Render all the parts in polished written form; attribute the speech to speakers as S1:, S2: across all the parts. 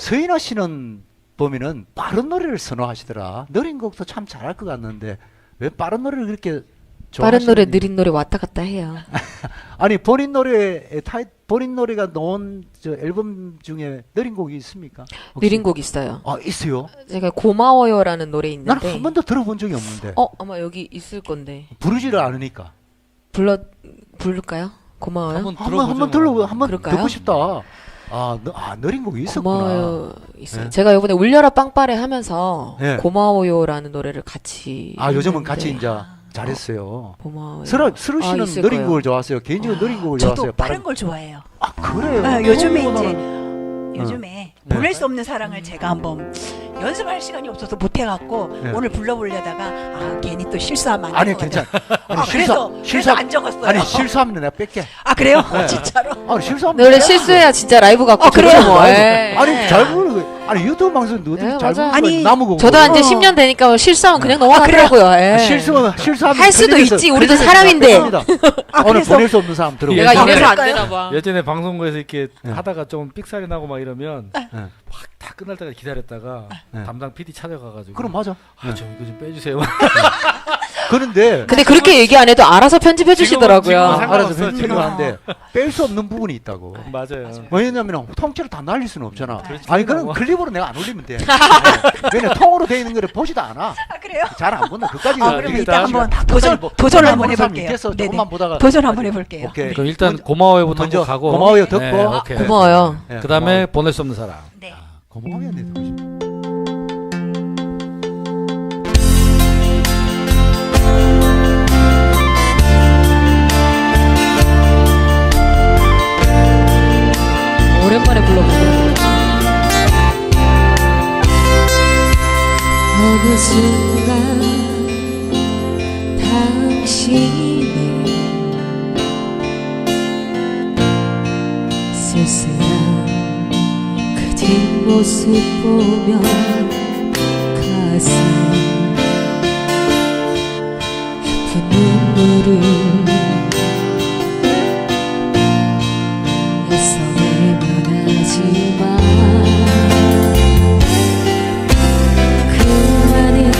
S1: 서인아 씨는 보면은 빠른 노래를 선호하시더라. 느린 곡도 참 잘할 것 같는데 왜 빠른 노래를 그렇게
S2: 빠른 노래,
S1: 좋아하시는지.
S2: 느린 노래 왔다 갔다 해요.
S1: 아니 본인 노래가 넣은 저 앨범 중에 느린 곡이 있습니까? 혹시?
S2: 느린 곡 있어요.
S1: 아 있어요?
S2: 제가 고마워요라는 노래
S1: 나는
S2: 있는데.
S1: 한 번도 들어본 적이 없는데
S2: 아마 여기 있을 건데.
S1: 부르지를 않으니까
S2: 부를까요? 고마워요.
S1: 한번 들어 한번
S2: 그럴까요?
S1: 듣고 싶다. 느린 곡이 있었구나.
S2: 고마워요 있어요.
S1: 네.
S2: 제가 이번에 울려라 빵빠레 하면서
S1: 네.
S2: 고마워요라는 노래를 같이
S1: 요즘은
S2: 했는데
S1: 같이 이제 잘했어요.
S2: 고마워요.
S1: 스루 씨는
S2: 있을
S1: 느린
S2: 거예요.
S1: 곡을 좋아하세요. 개인적으로 느린 곡을
S3: 저도
S1: 좋아하세요.
S3: 빠른 걸 좋아해요.
S1: 그래요.
S3: 요즘에
S1: 나는-
S3: 요즘에
S1: 네.
S3: 보낼 수 없는 사랑을 제가 한번 연습할 시간이 없어서 못 해갖고
S1: 네.
S3: 오늘 불러보려다가 괜히 또 실수하면 안
S1: 아니
S3: 될 것
S1: 괜찮아.
S3: 같아요. 그래서 안 적었어요.
S1: 아니 실수하면 내가 뺄게.
S3: 그래요?
S1: 네.
S3: 진짜로?
S1: 아니 실수하면
S2: 노래
S1: 빼라고.
S2: 실수해야 진짜 라이브 같고
S3: 그래요?
S2: 좋죠, 뭐. 예.
S1: 아니 잘 부르고 아니 유튜브 방송 어떻게
S2: 네,
S1: 잘
S2: 맞아요.
S1: 부르고
S3: 아니,
S1: 나무고
S2: 저도
S3: 어.
S2: 이제 10년 되니까 실수하면 그냥 넘어가더라고요. 예.
S1: 실수하면
S2: 할 수도 있지, 우리도 사람인데.
S1: 오늘
S3: 그래서
S1: 보낼 수 없는 사람 들어.
S2: 내가
S4: 예전에-
S2: 이래서 안
S3: 그럴까요?
S2: 되나 봐.
S4: 예전에 방송국에서 이렇게
S1: 네.
S4: 하다가 좀 삑살이 나고 막 이러면
S1: 네.
S4: 막 다 끝날 때까지 기다렸다가
S1: 네.
S4: 담당 PD 찾아가가지고
S1: 그럼 맞아.
S4: 저 이거 좀 빼주세요.
S1: 그런데
S2: 근데 그렇게 얘기 안 해도 알아서 편집해 주시더라고요.
S4: 지금은
S1: 알아서
S4: 상관없어요,
S1: 편집을
S4: 지금.
S1: 하는데 뺄 수 없는 부분이 있다고.
S4: 맞아요.
S1: 왜냐면 통째로 다 날릴 수는 없잖아.
S4: 그렇지,
S1: 아니 그럼
S4: 뭐.
S1: 클립으로 내가 안 올리면 돼. 왜냐 통으로 돼 있는 거를 보지도 않아.
S3: 그래요?
S1: 잘 안 본다. 그까지
S3: 그럼 이따
S4: 일단
S3: 한번
S1: 도전
S3: 도전을 한번 해볼게요.
S1: 밑에서
S3: 네네.
S1: 조금만 보다가
S3: 도전 한번 해볼게요.
S1: 오케이.
S4: 그럼 일단
S1: 먼저-
S4: 고마워요부터
S1: 먼저
S4: 한번 가고
S1: 고마워요 듣고.
S4: 네, 오케이.
S2: 고마워요.
S1: 네,
S4: 그다음에 보낼 수 없는 사람.
S3: 네.
S1: 고마워요. 네, 듣고 싶어.
S2: 오랜만에 불러보고.
S5: 어느 순간 당신의 쓸쓸한 그 뒷모습 보면 가슴 깊은 눈물을 애써 외면하지만 그 많은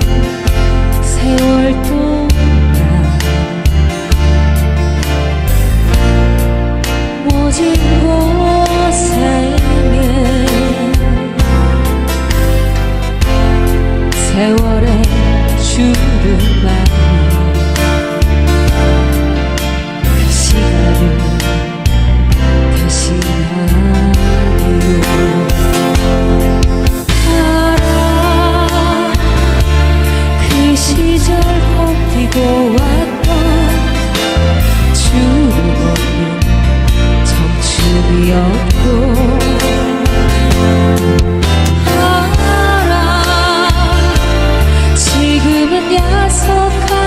S5: 세월 동안 모진 곳에 세월의 주름만이 그 시간을 대신하리요. 알아 그 시절 헛뛰고 왔던 주름 없는 청춘이었고 알아 지금은 야속한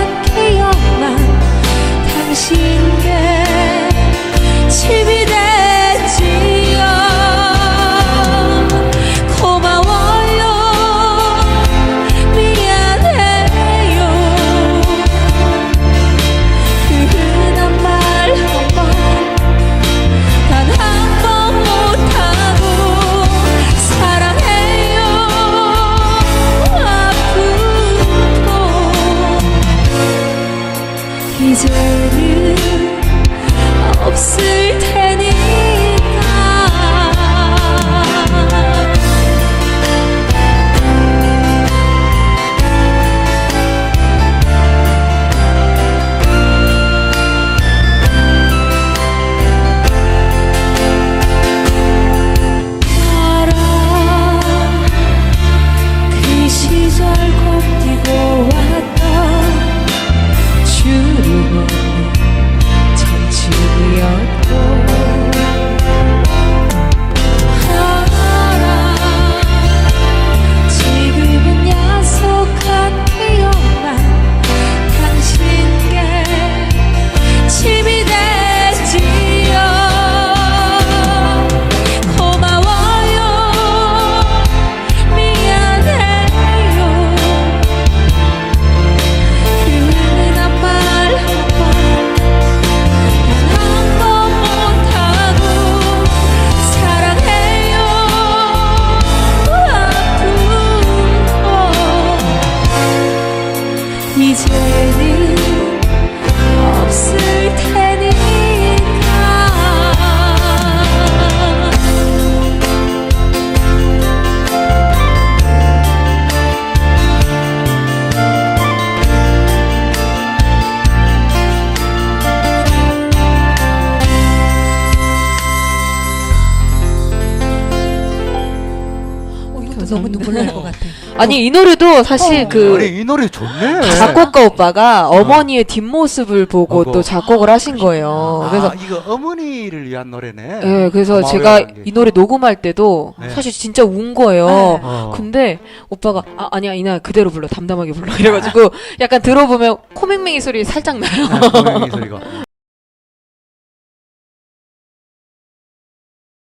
S3: 너무 눈물 날 것 같아.
S2: 아니 이 노래도 사실 그
S1: 아니, 이 노래 좋네.
S2: 작곡가 오빠가 어머니의 뒷모습을 보고
S1: 어머.
S2: 또 작곡을 하신 거예요. 그래서
S1: 이거 어머니를 위한 노래네.
S2: 예, 그래서
S1: 고마워요,
S2: 제가
S1: 이게.
S2: 이 노래 녹음할 때도
S1: 네.
S2: 사실 진짜 운 거예요.
S3: 네.
S2: 근데 오빠가 아니야 이나 그대로 불러 담담하게 불러 이래가지고 약간 들어보면 코맹맹이 소리 살짝 나요.
S1: 고양이 소리가.